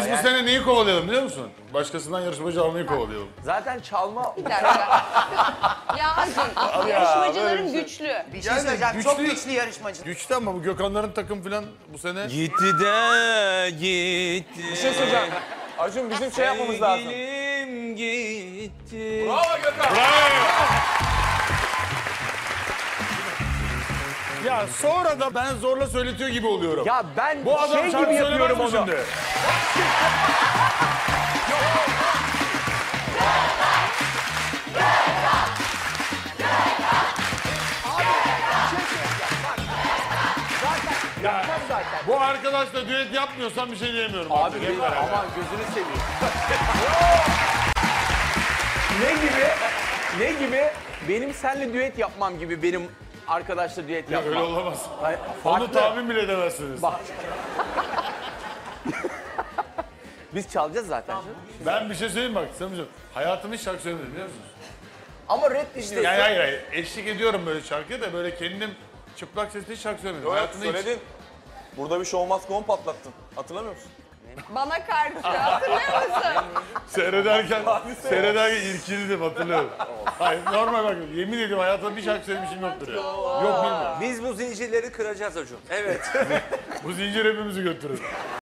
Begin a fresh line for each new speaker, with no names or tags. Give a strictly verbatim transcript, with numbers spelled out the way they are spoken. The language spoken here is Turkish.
bu sene neyi kovalayalım biliyor musun? Başkasından yarışmacı almayı kovalayalım.
Zaten çalma...
Bir dakika. Ya Acun, yarışmacıların güçlü.
Bir şey
Yani
söyleyeceğim.
güçlü-
Çok güçlü yarışmacı.
Güçlü ama bu Gökhanların takım falan bu sene...
Gitti de gitti.
Bir şey söyleyeceğim. Acun bizim şey yapmamız lazım.
Sevgilim gitti.
Bravo Gökhan.
Ya sonra da ben zorla söyletiyor gibi oluyorum.
Ya ben
bu adam
şey
şarkı
gibi
söylemez
yapıyorum
mi
onu.
şimdi? Ya, bu arkadaşla düet yapmıyorsan bir şey diyemiyorum.
Abi
artık. Hep
lütfen,
beraber.
aman gözünü seveyim. Ne gibi? Ne gibi? Benim seninle düet yapmam gibi benim arkadaşla düet
Ya
yapmam.
öyle olamaz.
Hayır,
Onu
farklı.
tahmin bile edemezsiniz.
Bak. Biz çalacağız zaten. canım.
Ben bir şey söyleyeyim bak. Sen hayatımda hiç şarkı söylemedim biliyor musun?
Ama rap dinliyorsun.
Yani hayır hayır. Eşlik ediyorum böyle şarkıya da böyle kendim çıplak sesle hiç şarkı söylemedim.
Evet
Hayatımda hiç.
söyledin. Burada bir show must go on patlattın. Hatırlamıyor musun?
Bana karşı hatırlıyor musun?
Seyrederken, seyrederken irkildim hatırlıyorum. Hayır normal bak yemin ediyorum hayatımda bir şarkı söylemişim yoktur ya. Yok bilmiyorum.
Biz bu zincirleri kıracağız Acun. Evet.
Bu zincir hepimizi götürür.